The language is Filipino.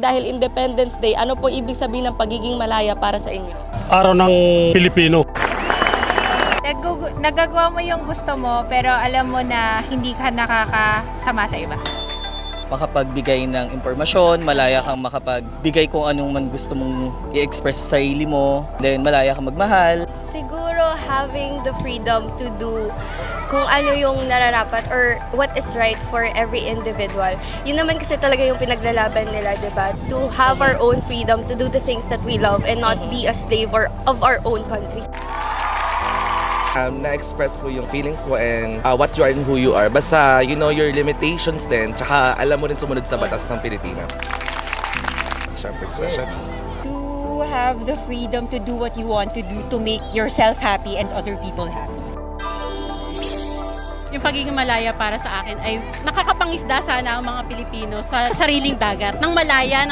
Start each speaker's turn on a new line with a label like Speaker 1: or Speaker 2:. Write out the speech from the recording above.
Speaker 1: dahil Independence Day, ano po ibig sabihin ng pagiging malaya para sa inyo?
Speaker 2: Araw ng Pilipino.
Speaker 3: Nagagawa mo yung gusto mo pero alam mo na hindi ka nakakasama sa iba.
Speaker 4: Makapagbigay ng impormasyon, malaya kang makapagbigay kung anong man gusto mong i-express sa sarili mo, then malaya kang magmahal.
Speaker 5: Siguro having the freedom to do kung ano yung nararapat or what is right for every individual. Yun naman kasi talaga yung pinaglalaban nila, diba? To have our own freedom to do the things that we love and not be a slave of our own country.
Speaker 6: Na-express mo yung feelings mo and what you are and who you are. Basta you know your limitations din, tsaka alam mo rin sumunod sa batas ng Pilipinas. Siyempre,
Speaker 7: To have the freedom to do what you want to do to make yourself happy and other people happy.
Speaker 8: Yung pagiging malaya para sa akin ay nakakapangisda sana ang mga Pilipino sa sariling dagat. Nang malaya,